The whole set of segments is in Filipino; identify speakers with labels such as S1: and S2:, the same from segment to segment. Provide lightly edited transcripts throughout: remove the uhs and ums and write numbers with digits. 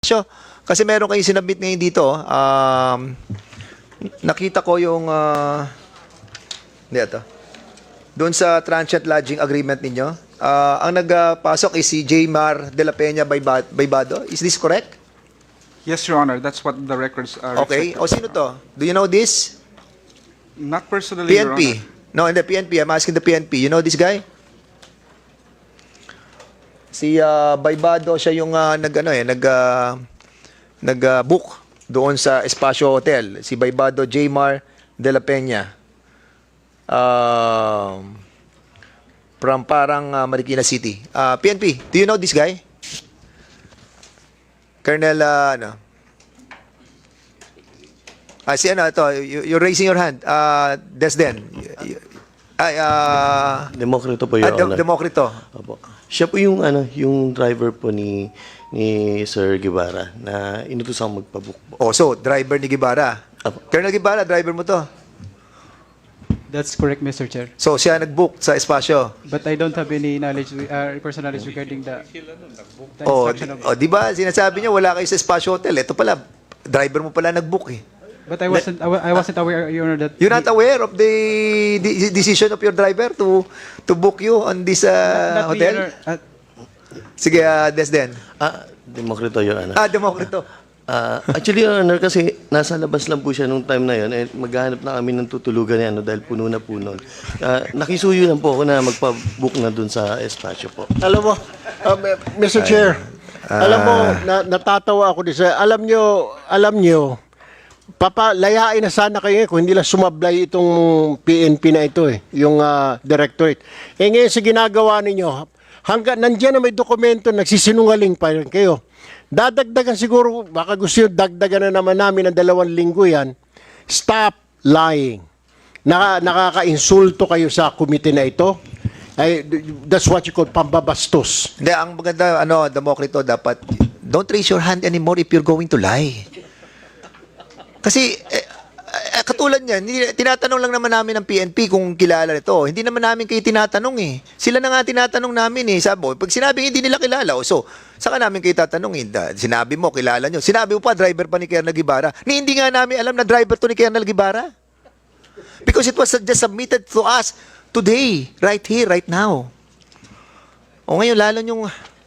S1: So, kasi meron kayong sinabit ngayon dito, nakita ko yung, ito, doon sa transient lodging agreement ninyo, ang nagpasok is si J. Mar de la Peña Baybado. Is this correct?
S2: Yes, Your Honor. That's what the records are.
S1: Okay. O sino to? Do you know this?
S2: Not personally, Your
S1: PNP.
S2: Honor.
S1: No, in the PNP. I'm asking the PNP. You know this guy? Si Baybado, siya yung nag-book doon sa Espacio Hotel. Si Baybado J. Mar de la Peña. From parang Marikina City. PNP, do you know this guy? Colonel, si ito, you're raising your hand. Desden.
S3: Demokrito po, Your Honor.
S1: Demokrito.
S3: Opo. Siya po yung yung driver po ni Sir Guevara na inutusang magpabook po.
S1: Oh, so driver ni Guevara.
S3: Apo.
S1: Colonel Guevara, driver mo to.
S4: That's correct, Mr. Chair.
S1: So siya nag-book sa espasyo.
S4: But I don't have any knowledge, personal knowledge regarding the
S1: Oh,
S4: instruction of...
S1: di ba? Sinasabi niya wala kayo sa espasyo hotel. Ito pala, driver mo pala nag-book eh.
S4: But I wasn't aware, Your Honor, that...
S1: You're not aware of the decision of your driver to book you on this
S4: Not me,
S1: hotel?
S4: Your Honor.
S1: Sige, Desden.
S3: Demokrito, Your Honor.
S1: Demokrito.
S3: Actually, Your Honor, kasi nasa labas lang po siya nung time na yun. Maghahanap na kami ng tutulugan niya dahil puno na po nun. Nakisuyo lang po ako na magpabook na dun sa espasyo po.
S5: Alam mo, Mr. Chair, alam mo, natatawa ako din sa, alam nyo, papalayain na sana kayo kung hindi lang sumablay itong PNP na ito yung directorate. Ngayon sa ginagawa ninyo, hanggang nandiyan na may dokumento, nagsisinungaling pa rin kayo. Dadagdagan siguro, baka gusto nyo, dagdagan na naman namin ng 2 linggo yan. Stop lying. Nakaka-insulto kayo sa komite na ito. That's what you call pambabastos.
S1: Hindi, ang maganda, Demokrito, dapat, don't raise your hand anymore if you're going to lie. Kasi, katulad niyan, tinatanong lang naman namin ng PNP kung kilala nito. Hindi naman namin kayo tinatanong eh. Sila na nga tinatanong namin eh. Sabi mo, pag sinabi hindi nila kilala, so, saka namin kayo tatanungin. Sinabi mo, kilala nyo. Sinabi mo pa, driver pa ni Colonel Guevara. Hindi nga namin alam na driver to ni Colonel Guevara. Because it was just submitted to us today, right here, right now. O ngayon, lalo yung...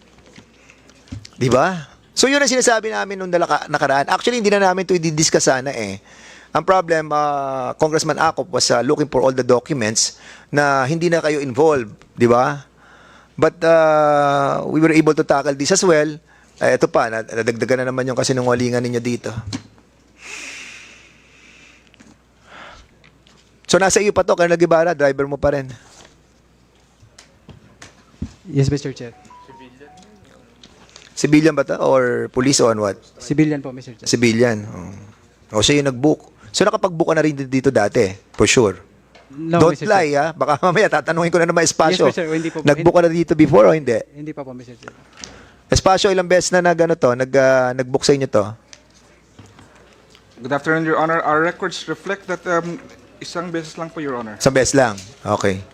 S1: Di ba? So yun ang sinasabi namin nung nakaraan. Actually, hindi na namin ito i-discuss sana eh. Ang problem, Congressman Acop was looking for all the documents na hindi na kayo involved, di ba? But we were able to tackle this as well. Ito pa, nadagdagan na naman yung kasinungalingan ninyo dito. So nasa iyo pa to, Colonel Guevara, driver mo pa rin.
S4: Yes, Mr. Chair.
S1: Civilian ba to? Or police on what?
S4: Civilian po, Mr. Chair.
S1: Civilian. O siya yung nag-book. So nakapag-book ka na rin dito dati, for sure.
S4: No,
S1: Don't
S4: Mr.
S1: lie,
S4: Chair.
S1: ha? Baka mamaya tatanungin ko na naman espasyo.
S4: Yes, Mr. Hindi po.
S1: Nag-book ka na dito before o hindi?
S4: Hindi pa po, Mr. Chair.
S1: Espasyo, ilang beses na nag-book sa inyo to?
S2: Good afternoon, Your Honor. Our records reflect that isang beses lang po, Your Honor.
S1: Isang beses lang. Okay.